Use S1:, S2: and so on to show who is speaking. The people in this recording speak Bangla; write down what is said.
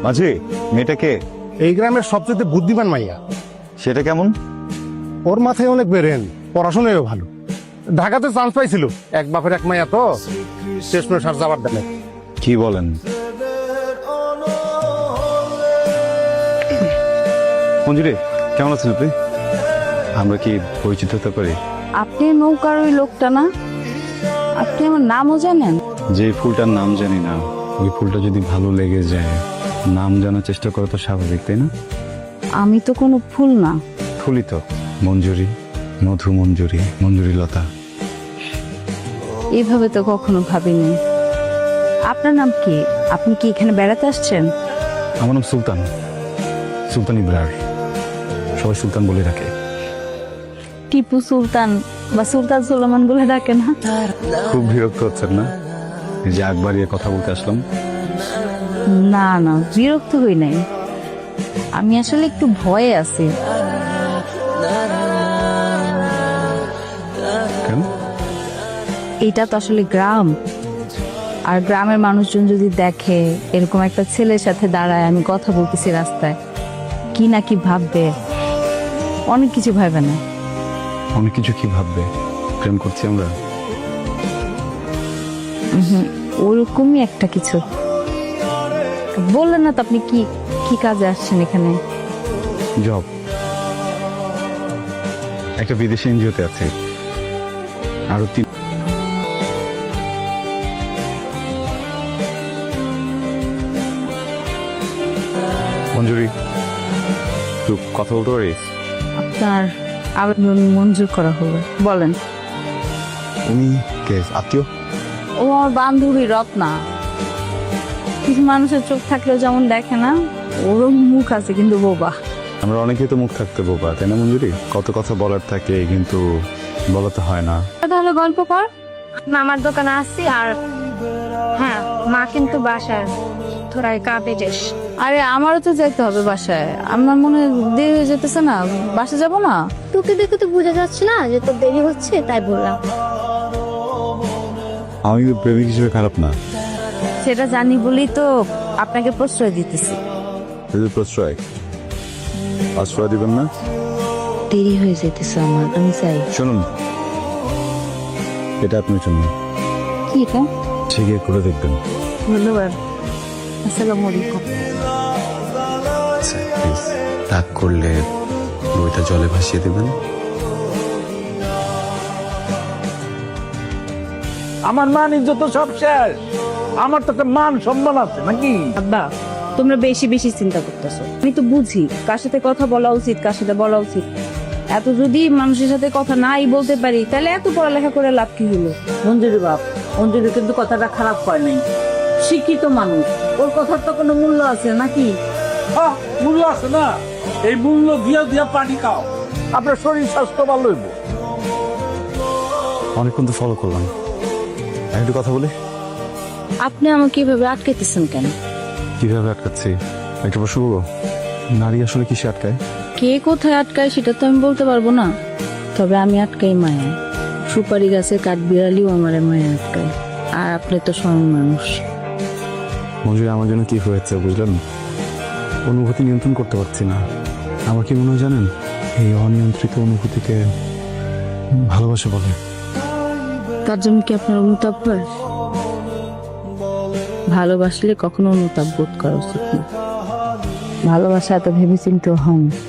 S1: মাঝি, মেয়েটাকে
S2: এই গ্রামের সবচেয়ে বুদ্ধিমান মাইয়া।
S1: সেটা কেমন?
S2: ওর মাথায় অনেক বেরেন, পড়াশোনায়ও ভালো। ঢাকাতে চান্স পাইছিল, এক বাপের এক মাইয়া তো শেষ করে সার যাবার দেনে।
S1: কি বলেন? মঞ্জুরি, কেমন আছেন আপনি? আমরা কি পরিচিত হতে পারি?
S3: আপনি নৌকার ওই লোকটা না? আপনি আমার নামও জানেন?
S1: যে ফুলটার নাম জানি না, ওই ফুলটা যদি ভালো লেগে যায়, নাম জানার চেষ্টা করা তো স্বাভাবিক, তাই না?
S3: আমি তো কোনো ফুল না।
S1: ফুলই তো। মঞ্জুরি, মধু মঞ্জুরি, মঞ্জুরি লতা।
S3: এইভাবে তো কখনো ভাবিনি। আপনার নাম কি? আপনি কি এখানে বেড়াতে আসছেন?
S1: আমার নাম সুলতান, সুলতান ইব্রার। সবাই সুলতান বলে রাখে।
S3: টিপু সুলতান বা সুলতান সুলেমান বলে ডাকে না?
S1: খুব বিরক্ত হচ্ছেন না এই যে আগ বাড়িয়ে কথা বলতে আসলাম?
S3: না না, বিরক্ত হই নাই। আমি আসলে একটু ভয়ে আছি।
S1: কেন?
S3: এটা তো আসলে গ্রাম, আর গ্রামের মানুষজন যদি দেখে এরকম একটা ছেলের সাথে দাঁড়ায় আমি কথা বলতেছি রাস্তায়, কি না কি ভাববে। অনেক কিছু ভাববে না?
S1: অনেক কিছু কি ভাববে? প্রেম করছি আমরা?
S3: ওরকমই একটা কিছু। বললেন না তো আপনি কি কি কাজে আসছেন এখানে?
S1: জব, একটা বিদেশি এনজিওতে আছে। আরো মঞ্জুরি, একটু কথা বলতে পারি?
S3: আপনার আবেদন মঞ্জুর করা হবে, বলেন।
S1: উনি কে? আত্মীয়?
S3: ও আমার বান্ধবী রত্না। কিছু মানুষের চোখ থাকলেও যেমন দেখে না, ওরও মুখ আছে কিন্তু বোবা।
S1: আমরা অনেকেই তো মুখ থাকতে বোবা, তাই না মঞ্জুরি? কত কথা বলার থাকে কিন্তু বলাতে হয় না।
S3: তাহলে গল্প কর।
S4: মামার দোকানে আসছি আর হ্যাঁ মা কিন্তু বাসায় তোরা কাপে যাস।
S3: আরে আমারও তো যেতে হবে বাসায়, আমার মনে হয় দেরি হয়ে যেতেছে না, বাসা যাব না?
S4: তোকে দেখে তো বোঝা যাচ্ছে না যে তোর দেরি হচ্ছে, তাই বললাম।
S1: আমি প্রেমিক হিসেবে খারাপ না।
S3: সেটা জানি বলেই তো আপনাকে প্রশ্রয় দিতেছি।
S1: যদি প্রশ্রয় আশ্রয় দিবেন না?
S3: দেরি হয়ে যেতেছে আমার, আমি চাই।
S1: শুনুন, এটা আপনার জন্য।
S3: কি এটা?
S1: ঠিক করে দেখবেন।
S3: ধন্যবাদ। আসসালামু আলাইকুম।
S1: আচ্ছা, প্লিজ তাক করলে বইটা জলে ভাসিয়ে দেবেন।
S5: আমার মান ইজ্জত তো সব শেষ। আমার তো একটা মান সম্মান আছে নাকি?
S3: আব্বা, তোমরা বেশি বেশি চিন্তা করতেছো। আমি তো বুঝি কার সাথে কথা বলা উচিত, কার সাথে বলা উচিত। এত যদি মানুষের সাথে কথা নাই বলতে পারি, তাহলে এত পড়ালেখা করে লাভ কি হলো?
S6: মঞ্জুরি বাপ, মঞ্জুরি কিন্তু কথাটা খারাপ হয় নাই। শিক্ষিত মানুষ, ওর কথার তো কোনো মূল্য আছে নাকি?
S5: হ্যাঁ, মূল্য আছে না? এই মূল্য দিয়া দিয়া পানি খাও, আপনার শরীর স্বাস্থ্য ভালো হইব।
S1: অনেকক্ষণ তো ফলো করলাম, একটু কথা বলি।
S3: আপনি আমাকে এভাবে আটকাইতেছেন কেন?
S1: কিভাবে আটকাচ্ছি? একটা প্রশ্ন করবো, নারী আসলে কিসে আটকায়?
S3: কে কোথায় আটকায় সেটা তো আমি বলতে পারবো না, তবে আমি আটকাই মায়া। সুপারি গাছের কাঠ বিড়ালিও আমার মায়া আটকায়, আর আপনি তো স্বয়ং মানুষ।
S1: মঞ্জুরি, আমার জন্য কি হয়েছে বুঝলেন? অনুভূতি নিয়ন্ত্রণ করতে পারছি না। আমার কি মনে হয় জানেন, এই অনিয়ন্ত্রিত অনুভূতিকে ভালোবাসা বলে।
S3: তার জন্য কি আপনার অনুতাপ হয়? ভালোবাসলে কখনো অনুতাপ বোধ করা উচিত না। ভালোবাসা এত ভেবে চিন্তে হয় না।